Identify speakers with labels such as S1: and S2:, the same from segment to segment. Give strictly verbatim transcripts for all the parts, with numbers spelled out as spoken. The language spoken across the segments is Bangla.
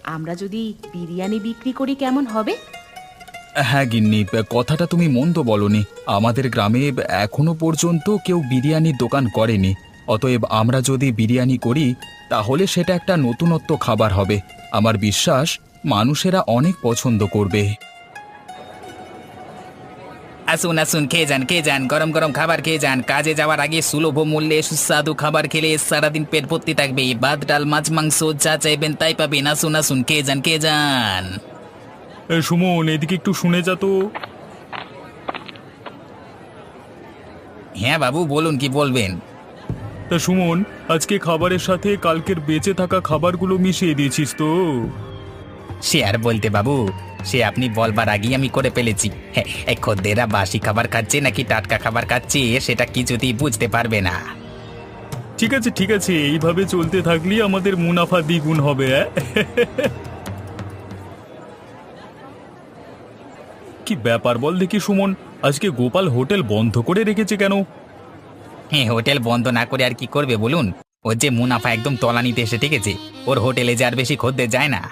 S1: আমরা যদি বিরিয়ানি বিক্রি করি কেমন হবে?
S2: হ্যাঁ গিন্নি, কথাটা তুমি মন্দ বলনি। আমাদের গ্রামে এখনো পর্যন্ত কেউ বিরিয়ানির দোকান করেনি। অতএব আমরা যদি বিরিয়ানি করি তাহলে সেটা একটা নতুনত্ব খাবার হবে। আমার বিশ্বাস মানুষেরা অনেক পছন্দ করবে।
S3: আসুন আসুন, খেয়ে যান খেয়ে যান, গরম গরম খাবার খেয়ে যান। কাজে যাওয়ার আগে সুলভ মূল্যে সুস্বাদু খাবার খেলে সারাদিন পেট ভর্তি থাকবে। ভাত ডাল মাছ মাংস যা চাইবেন তাই পাবেন। আসুন আসুন, খেয়ে যান খেয়ে যান।
S2: সুমন, এদিকে একটু শুনে যা তো।
S3: হ্যাঁ বাবু, বলুন কি বলবেন।
S2: তা সুমন, আজকে খাবারের সাথে কালকের বেঁচে থাকা খাবারগুলো মিশিয়ে দিয়েছিস তো?
S3: সে আর বলতে বাবু, সে আপনি বলবার আগেই আমি করে ফেলেছি। হ্যাঁ, এই খদ্দেররা বাসি খাবার খাচ্ছে নাকি টাটকা খাবার খাচ্ছে সেটা কিছুতেই বুঝতে পারবে না।
S2: ঠিক আছে ঠিক আছে, এইভাবে চলতে থাকলেই আমাদের মুনাফা দ্বিগুণ হবে। অ্যাঁ? কি ব্যাপার বল দেখি সুমন, আজকে গোপাল হোটেল বন্ধ করে রেখেছে কেন?
S3: হ্যাঁ, হোটেল বন্ধ না করে আর কি করবে বলুন। ওর যে মুনাফা একদম তলানিতে এসে ঠেকেছে। ওর হোটেলে যে আর বেশি খদ্দের যায় না।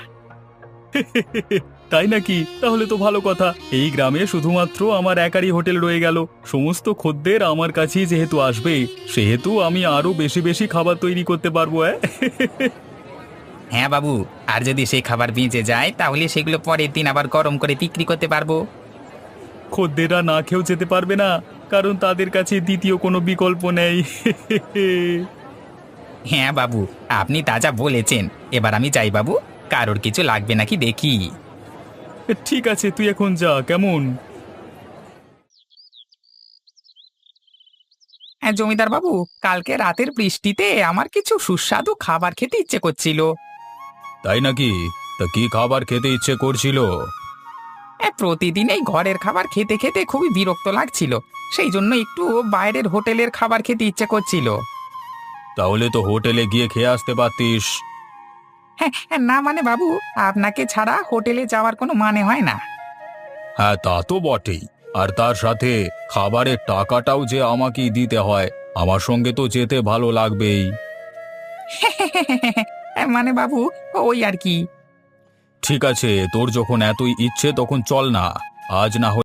S2: তাই নাকি? তাহলে তো ভালো কথা। এই গ্রামে শুধুমাত্র আমার একারই হোটেল রয়ে গেল। সমস্ত খদ্দের আমার কাছেই যেহেতু আসবে, সেহেতু আমি আরো বেশি বেশি খাবার তৈরি করতে পারবো। অ্যাঁ?
S3: হ্যাঁ বাবু, আর যদি সেই খাবার বেঁচে যায় তাহলে সেগুলো পরের দিন আবার গরম করে বিক্রি করতে পারবো।
S2: খদ্দেররা না খেয়েও যেতে পারবে না, কারণ তাদের কাছে দ্বিতীয় কোনো বিকল্প নেই।
S3: হ্যাঁ বাবু, আপনি তাজা বলেছেন। এবার আমি যাই বাবু, কারোর কিছু লাগবে নাকি দেখি।
S2: ঠিক আছে, তুই এখন যা, কেমন?
S3: হ্যাঁ জমিদার বাবু, কালকে রাতের বৃষ্টিতে আমার কিছু সুস্বাদু খাবার খেতে ইচ্ছে করছিল।
S2: তাই নাকি? তা কি খাবার খেতে ইচ্ছে করছিল?
S3: হ্যাঁ, প্রতিদিন এই ঘরের খাবার খেতে খেতে খুবই বিরক্ত লাগছিল। সেই জন্য একটু বাইরের হোটেলের খাবার খেতে ইচ্ছে করছিল।
S2: তাহলে তো হোটেলে গিয়ে খেয়ে আসতে পারতিস।
S3: হ্যাঁ হ্যাঁ, না মানে বাবু, আপনাকে ছাড়া হোটেলে যাওয়ার কোনো মানে হয় না।
S2: হ্যাঁ, তা তো বটেই। আর তার সাথে খাবারের টাকাটাও যে আমাকেই দিতে হয়। আমার সঙ্গে তো যেতে ভালো লাগবেই।
S3: হ্যাঁ, মানে বাবু, ওই আর কি।
S2: ঠিক আছে, তোর যখন এতই ইচ্ছে তখন চল না। আজ না